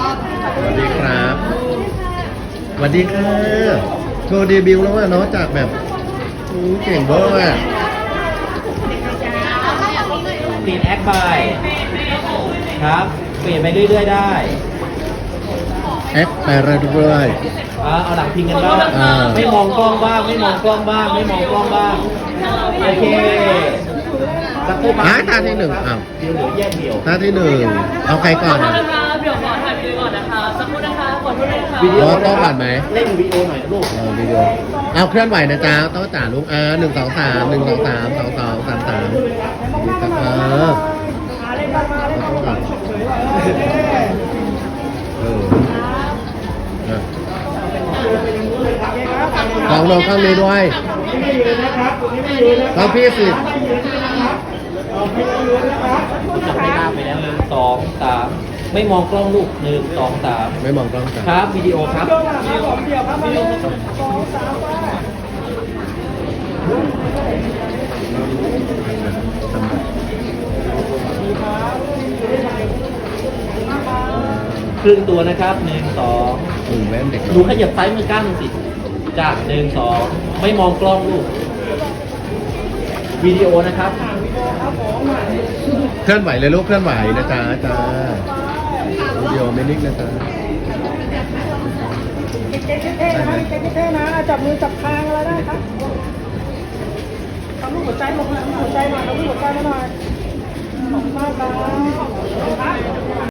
สวัสดีครับสวัสดีค่ะโชว์เดบิวต์แล้วว่าเนาะจากแบบเก่งเบอร์อ่ะปีนแอคบายครับเปลี่ยนไปเรื่อยๆได้แอปไปเรื่อยเอาหลังพิงกันบ้างอ่าไม่มองกล้องบ้างไม่มองกล้องบ้างไม่มองกล้องบ้างโอเคสักครู่ๆท่าที่หนึ่งอ้าวเดี๋ยวเหลือแยกเดี่ยวท่าที่หนึ่งเอาใครก่อนอ่ะเดี๋ยวขอถ่ายวิดีโอก่อนนะคะสักครู่นะคะขอโทษด้วยนะคะวิดีโอต้องก่อนไหมเล่นวิดีโอหน่อยนะลูกเอาวิดีโอเอาเคลื่อนไหวนะจ๊ะต้องจ่าลูก1 2 3 1 2 3 2 2 3 3ดีครับต้องก่อนลองลงข้างนี้ด้วยข้างพี่สิจับไม่ได้ไปแล้ว1 2 3ไม่มองกล้องลูก1 2 3 ไม่มองกล้องจ้ะครับวิดีโอครับครึ่งตัวนะครับ1 2 แว่นเด็กหนูขยับซ้ายมือก้างหนึ่งสิจาก1 2ไม่มองกล้องลูกวิดีโอนะครับเคลื่อนไหวเลยลูกเคลื่อนไหวนะจ๊ะจ้าวิดีโอไม่นิ่งนะจ๊ะเท่ๆนะเท่ๆนะจับมือจับคางอะไรได้ครับทำรูปหัวใจลงนะหัวใจหน่อยทำรูปหัวใจมาหน่อยขอบคุณมากครับ